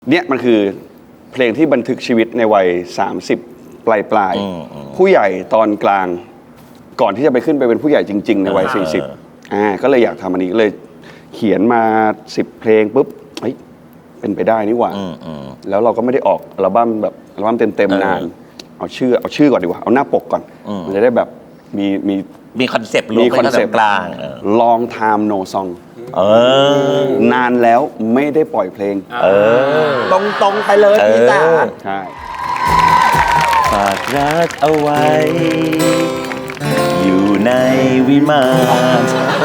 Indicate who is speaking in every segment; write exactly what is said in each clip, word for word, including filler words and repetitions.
Speaker 1: เนี่ยมันคือเพลงที่บันทึกชีวิตในวัยสามสิบปลายปลายผู้ใหญ่ตอนกลางก่อนที่จะไปขึ้นไปเป็นผู้ใหญ่จริงๆในวัยสี่สิบอ่าก็เลยอยากทำอันนี้ก็เลยเขียนมาสิบเพลงปุ๊บเฮ้ยเป็นไปได้นี่หว่าแล้วเราก็ไม่ได้ออกอัลบั้มแบบอัลบั้มเต็มๆนานเอาชื่อเอาชื่อก่อนดีกว่าเอาหน้าปกก่อนมันจะได้แบบมีมี
Speaker 2: มีคอนเซปต์
Speaker 1: มีคอนเซปต์
Speaker 2: กลาง
Speaker 1: Long Time No Song
Speaker 2: เอ
Speaker 1: อนานแล้วไม่ได้ปล่อยเพลง
Speaker 2: เออ
Speaker 3: ตรงตรงไปเลยพี่จ๋า
Speaker 1: ใช่
Speaker 2: ฝากรักเอาไว้อยู่ในวิมาน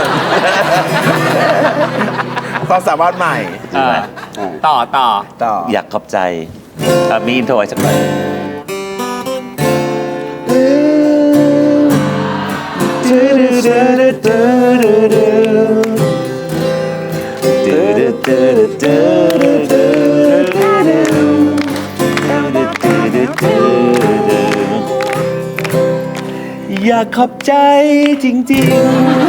Speaker 3: ความสามารถใหม่
Speaker 4: ต่อต่อ
Speaker 3: ต่อ
Speaker 2: อยากขอบใจมีอินโทรไว้สักหน่อยอยากขอบใจจริง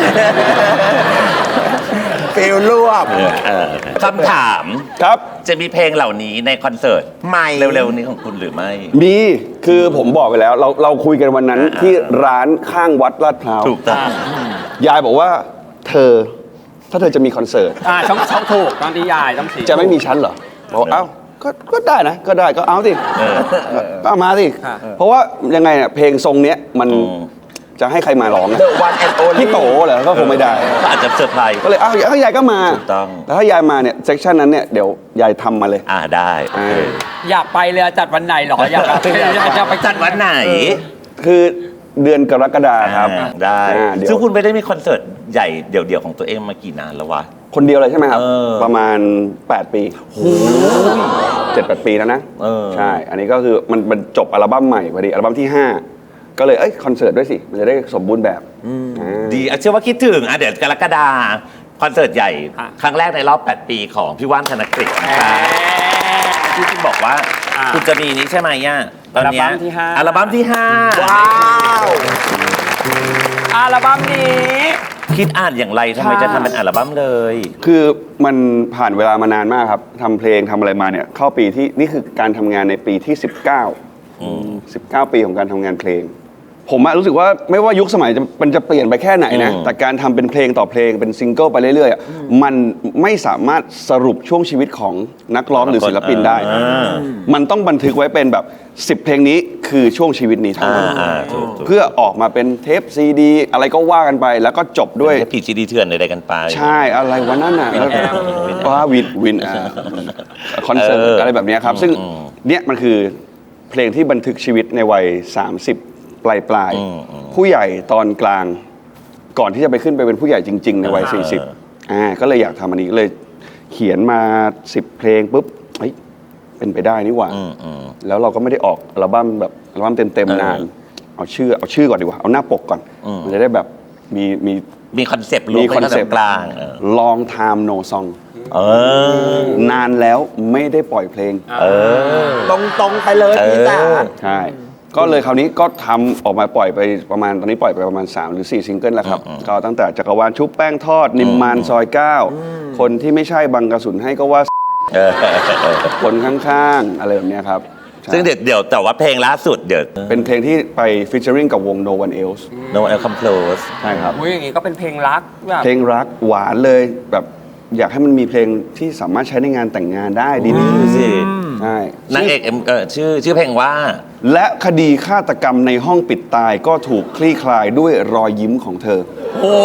Speaker 3: ๆฟิลรวบ
Speaker 2: คำถาม
Speaker 1: ครับ
Speaker 2: จะมีเพลงเหล่านี้ในคอนเสิร์ต
Speaker 3: ใหม่
Speaker 2: เร็วๆนี้ของคุณหรือไม่
Speaker 1: มีคือผมบอกไปแล้วเราเราคุยกันวันนั้นที่ร้านข้างวัดลาดพร้าว
Speaker 2: ถูกต้อง
Speaker 1: ยายบอกว่าเธอถ้าเธอจะมีคอนเสิร์ต
Speaker 4: อ่าช่องช่องถูกตอนที่ยายต้องสี
Speaker 1: จะไม่มีชั้นเหรอบอกเอ้าก็ก็ได้นะก็ได้ก็เอาสิก็เอามาสิเพราะว่ายังไงเนี่ยเพลงทรงเนี้ยมันจะให้ใครมาร้องนะพี่โตเหรอก็คงไม่ได้
Speaker 2: ก็อาจจะเซอร์ไพรส์
Speaker 1: ก็เลยอ้าวยายก็มา
Speaker 2: ถูกต้อง
Speaker 1: แล้วถ้ายายมาเนี่ยเซกชันนั้นเนี่ยเดี๋ยวยายทำมาเลย
Speaker 2: อ่าได้
Speaker 4: อยากไปเลยจัดวันไหนหรออยากจะไป
Speaker 2: จัดวันไหน
Speaker 1: คือเดือนกรกฎาคมครับ
Speaker 2: ได้ซึ่งคุณไม่ได้มีคอนเสิร์ตใหญ่เดี่ยวๆของตัวเองมากี่นานแล้ววะ
Speaker 1: คนเดียวเลยใช่ไหมครับประมาณแปดปีโอ้เจ็ดแปดปีแล้วนะใช่อันนี้ก็คือมันมันจบอัลบั้มใหม่พอดีอัลบั้มที่ห้าก็เลยเอ้ยคอนเสิร์ตด้วยสิมันจะได้สมบูรณ์แบบ
Speaker 2: ดีเชื่อว่าคิดถึงอ่ะเดี๋ยวกรกฎาคอนเสิร์ตใหญ่ครั้งแรกในรอบแปดปีของพี่ว่านธนกฤษนะครับที่คุณบอกว่าคุณจะมีนี้ใช่ไหมย่าตอนนี้อัลบั้มที่ห้าอัลบั้มที่ห้า
Speaker 3: ว้าว
Speaker 4: อัลบั้มนี้
Speaker 2: คิดอ่านอย่างไรทำไมจะทำเป็นอัลบั้มเลย
Speaker 1: คือมันผ่านเวลามานานมากครับทำเพลงทำอะไรมาเนี่ยเข้าปีที่นี่คือการทำงานในปีที่สิบเก้าสิบเก้าปีของการทำงานเพลงผมรู้สึกว่าไม่ว่ายุคสมัยมันจะเปลี่ยนไปแค่ไหนนะแต่การทำเป็นเพลงต่อเพลงเป็นซิงเกิลไปเรื่อยๆมันไม่สามารถสรุปช่วงชีวิตของนักร้องหรือศิลปินได้มันต้องบันทึกไว้เป็นแบบสิบเพลงนี้คือช่วงชีวิตนี้เท่านั้นเพื่อออกมาเป็นเทปซีดีอะไรก็ว่ากันไปแล้วก็จบด้วย
Speaker 2: เทปผีซีดีเถื่อนอะไรกันไป
Speaker 1: ใช่อะไรวะนั่นน่ะว่าวินวินคอนเสิร์ตอะไรแบบนี้ครับซึ่งเนี่ยมันคือเพลงที่บันทึกชีวิตในวัยสามสิบปลายปลายผู้ใหญ่ตอนกลางก่อนที่จะไปขึ้นไปเป็นผู้ใหญ่จริงๆในวัยสี่สิบอ่าก็เลยอยากทำอันนี้เลยเขียนมาสิบเพลงปุ๊บเฮ้ยเป็นไปได้นี่หว่าแล้วเราก็ไม่ได้ออกอัลบั้มแบบอัลบั้มเต็มๆนานเอาชื่อเอาชื่อก่อนดีกว่าเอาหน้าปกก่อนมันจะได้แบบมีมี
Speaker 2: มีคอนเซปต์
Speaker 1: มีคอนเซปต์
Speaker 2: กลาง
Speaker 1: Long Time No Song
Speaker 2: เอ
Speaker 1: อนานแล้วไม่ได้ปล่อยเพลง
Speaker 2: เออ
Speaker 3: ตรงตรงไปเลยพี่จ๋า
Speaker 1: ใช่ก็เลยคราวนี้ก็ทำออกมาปล่อยไปประมาณตอนนี้ปล่อยไปประมาณสามหรือสี่ซิงเกิลแล้วครับก็ตั้งแต่จักรวาลชุบแป้งทอดนิมมานซอยเก้าคนที่ไม่ใช่บังกระสุนให้ก็ว่าคนข้างๆอะไรแบบนี้ครับ
Speaker 2: ซึ่งเดี๋ยวเดี๋ยวแต่ว่าเพลงล่าสุดเดี๋ยว
Speaker 1: เป็นเพลงที่ไปฟีเจอริ่งกับวง No One Else
Speaker 2: No One Else Come Close
Speaker 1: ใช่ครับ
Speaker 4: อุ้ยอย่างงี้ก็เป็นเพลงรักแบบ
Speaker 1: เพลงรักหวานเลยแบบอยากให้มันมีเพลงที่สามารถใช้ในงานแต่งงานได้ดีๆสิใช่
Speaker 2: นางเอกเอ็มเออชื่อชื่อเพลงว่า
Speaker 1: และคดีฆาตกรรมในห้องปิดตายก็ถูกคลี่คลายด้วยรอยยิ้มของเธอ
Speaker 4: โอ้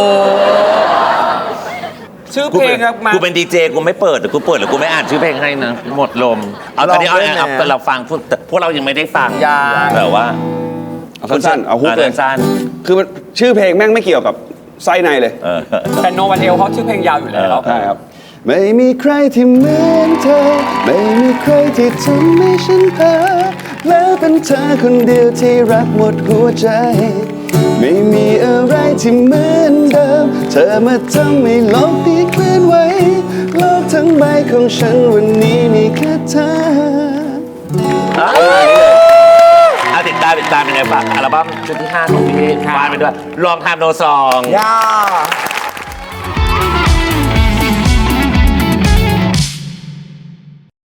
Speaker 4: ชื่อเพลงครับ
Speaker 2: กูเป็นดีเจกูไม่เปิดหรือกูเปิดหรือกูไม่อ่านชื่อเพลงให้นะหมดลมเอาตอนนี้เอาเอาเราฟังพวกเรายังไม่ได้ฟังแต่ว่า
Speaker 1: เอาสั้นๆเอาฮุกเลย
Speaker 2: สั้น
Speaker 1: คือชื่อเพลงแม่งไม่เกี่ยวกับไส้ในเลย
Speaker 4: แต่โนวันเอลเขาชื่อเพลงยาวอยู่แล้ว
Speaker 1: ใช่ครับไม่มีใครที่เหมือนเธอไม่มีใครที่ทำให้ฉันเพ้อแล้วเป็นเธอคนเดียวที่รักหมดหัวใจไม่มีอะไรที่เหมือนเดิมเธอมาทำให้โลกนี้เคลื่อนไหวโลกทั้งใบของฉันวันนี้มีแค่เธอ
Speaker 2: เอาติดตามติดตามยังไงฝากอัลบั้มชุดที่ห้าของพี่วานไปด้วยลองทำโนซอง
Speaker 3: ย่า